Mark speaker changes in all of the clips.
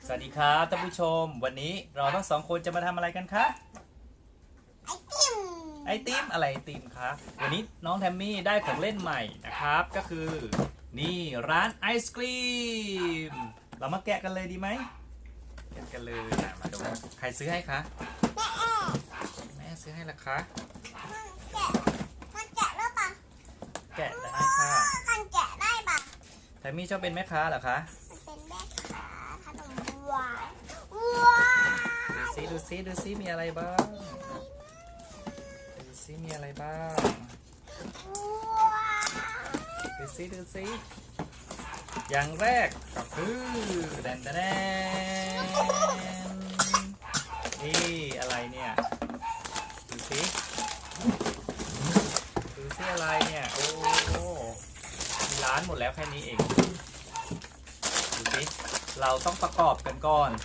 Speaker 1: สวัสดีครับท่านผู้ชมวันนี้เราทั้งสองคนจะมาทำอะไรกันคะไอติมอะไรไอติมครับวันนี้น้องแทมมี่ได้ของเล่นใหม่นะครับก็คือนี่ร้านไอศกรีมเรามาแกะกันเลยดีไหมแกะกันเลยมาดูใครซื้อให้คะแม่ซื้อให้ละคะ
Speaker 2: มันแกะได้ปะ
Speaker 1: แกะได้ค่ะ
Speaker 2: มันแกะได้ปะ
Speaker 1: แทมมี่ชอบเป็นแม่ค้าเหรอคะ
Speaker 2: เป็นแม่ค้าขนมหวาน
Speaker 1: ดูซิมีอะไรบ้างดูซิมีอะไรบ้างดูซิอย่างแรกก็คือแดนนี่อะไรเนี่ยดูซิอะไรเนี่ยโอ้มีร้านหมดแล้วแค่นี้เองดูซิเราต้องประกอบกันก่อน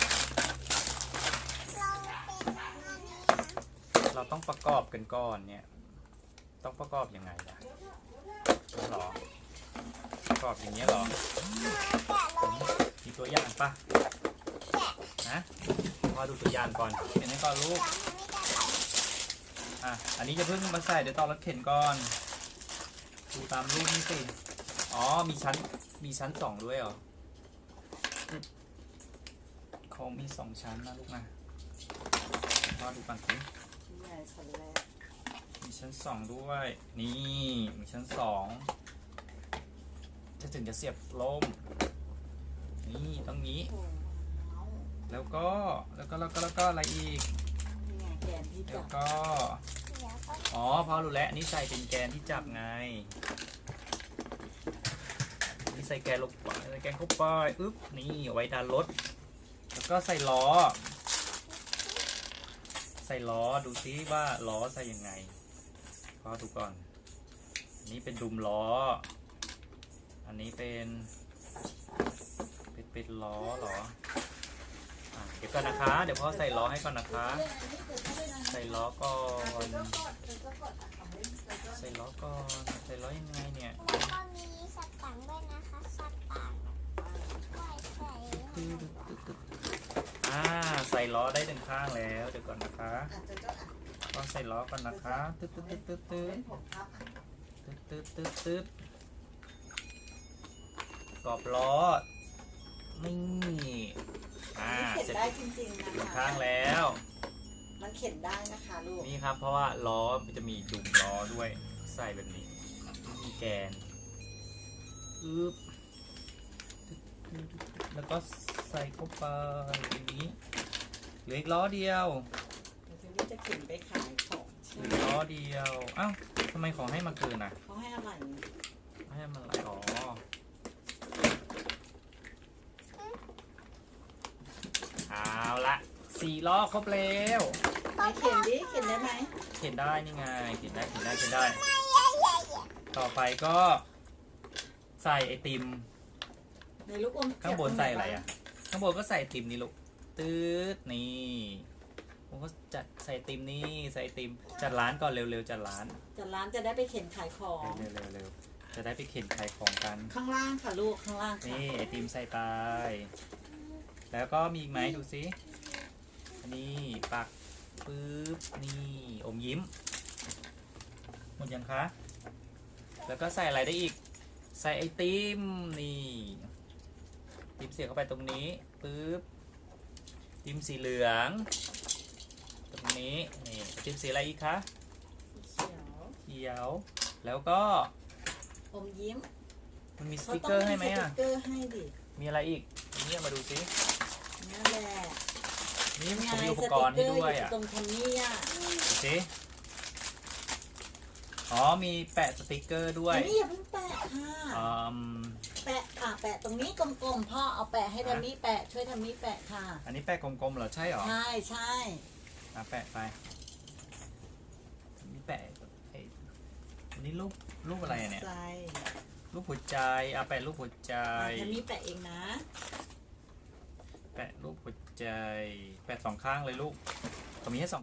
Speaker 1: เราต้องประกอบกันก่อนเนี่ยต้องประกอบยังไงล่ะหรอประกอบอย่างเงี้ยหรอมีตัวอย่างปะนะพอดูตัวอย่างก่อนเห็นไหมก่อนลูกอันนี้จะเพิ่งมาใส่เดี๋ยวตอนรถเข็นก่อนดูตามรูปนี่สิอ๋อมีชั้นสองด้วยเหรอเขามี2 ชั้นนะลูกนะพอดูก่อนสิมีชั้น2ด้วยนี่มีชั้น2จะถึงจะเสียบลมนี่ต้องนี้แล้วก็อะไรอีกแล้วก็อ๋อพอรู้แล้วนี่ใส่เป็นแกนที่จับไงนี่ใส่แกนลงไปแกนเข้าไปอึ๊บนี่ไว้ดันรถแล้วก็ใส่ล้อดูซิว่าล้อใส่ยังไงพอดูก่อนอันนี้เป็นดุมล้ออันนี้เป็นล้อเหรอเดี๋ยวก่อนนะคะเดี๋ยวพ่อใส่ล้อให้ก่อนนะคะใส่ล้อก่อนใส่ล้อยังไงเนี่ย
Speaker 2: แล้วก็มีสตังค์ด้วยนะคะสตังค์
Speaker 1: ใส่ล้อได้1 ข้างแล้วเดี๋ยวก่อนนะคะก็ใส่ล้อก่อนนะคะตึ๊ดกรอบล้อนี่
Speaker 3: เข็นได้จริงๆนะคะ
Speaker 1: 1 ข้างแล้ว
Speaker 3: มันเข็นได้นะคะลูก
Speaker 1: นี่ครับเพราะว่าล้อมันจะมีดุมล้อด้วยใส่แบบนี้มีแกนแล้วก็ใส่เข้าไปอย่างนี้เหลืออีกล้อเดียว
Speaker 3: ทีนี้จะเข็นไปขายของ
Speaker 1: เหลือล้อเดียวอ้าวทำไมของให้มาเกินอ่ะ
Speaker 3: เขาให้อะไร
Speaker 1: ให้มันอะไรเอาละ4 ล้อครบแล้ว
Speaker 3: เข็นดิเข็นได้ไหม
Speaker 1: เข็นได้นี่ไงเข็นได้ต่อไปก็ใส่ไอติม
Speaker 3: ในลูกอม
Speaker 1: ข้างบนใส่อะไรอ่ะข้างบนก็ใส่ไอติมนี่ลูกตืดนี่ผมก็จัดใส่ไอติมนี่ใส่ไอติมจัดร้านก่อนเร็วๆจัดร้าน
Speaker 3: จะได้ไปเข็นขายของ
Speaker 1: เร็วจะได้ไปเข็นขายของกัน
Speaker 3: ข้างล่างค่ะลูกข้างล่างค่ะ
Speaker 1: นี่ไอติมใส่ไปแล้วก็มีอีกไหมดูสิอันนี้ปักปึ๊บนี่อมยิ้มหมดยังคะแล้วก็ใส่อะไรได้อีกใส่ไอติมนี่ติมเสียบเข้าไปตรงนี้ปึ๊บติมสีเหลืองตรงนี้นี่ติมสีอะไรอีกคะเขียวแล้วก็
Speaker 3: อมยิ้ม
Speaker 1: มันมีสติ๊กเกอร์ให้ไหมอ่ะ
Speaker 3: สติ๊กเกอร์ให้ดิ
Speaker 1: มีอะไรอีกนี่มาดูสิ
Speaker 3: นั่นแหละ
Speaker 1: นี่ผมมีอุปกรณ์ให้ด้วยอ่ะ
Speaker 3: ตรงทันนี่อ่ะ
Speaker 1: ดูสิอ๋อมีแปะสติ๊กเกอร์ด้วย
Speaker 3: นี่อย่าเพิ่งแปะค่ะแปะตรงนี้กลมๆพ่อเอาแปะให้ทันนี่แปะช่วยทันนี่แปะค่ะ
Speaker 1: อันนี้แปะกลมๆเหรอใช่หรอ
Speaker 3: ใช่
Speaker 1: แปะไปนี่แปะอันนี้รูปอะไรเนี่ยรูปหัวใจแปะรูปหัวใจ
Speaker 3: ทันนี่แปะเองนะ
Speaker 1: แปะรูปหัวใจแปะ2 ข้างเลยลูกตรงนี้ให้2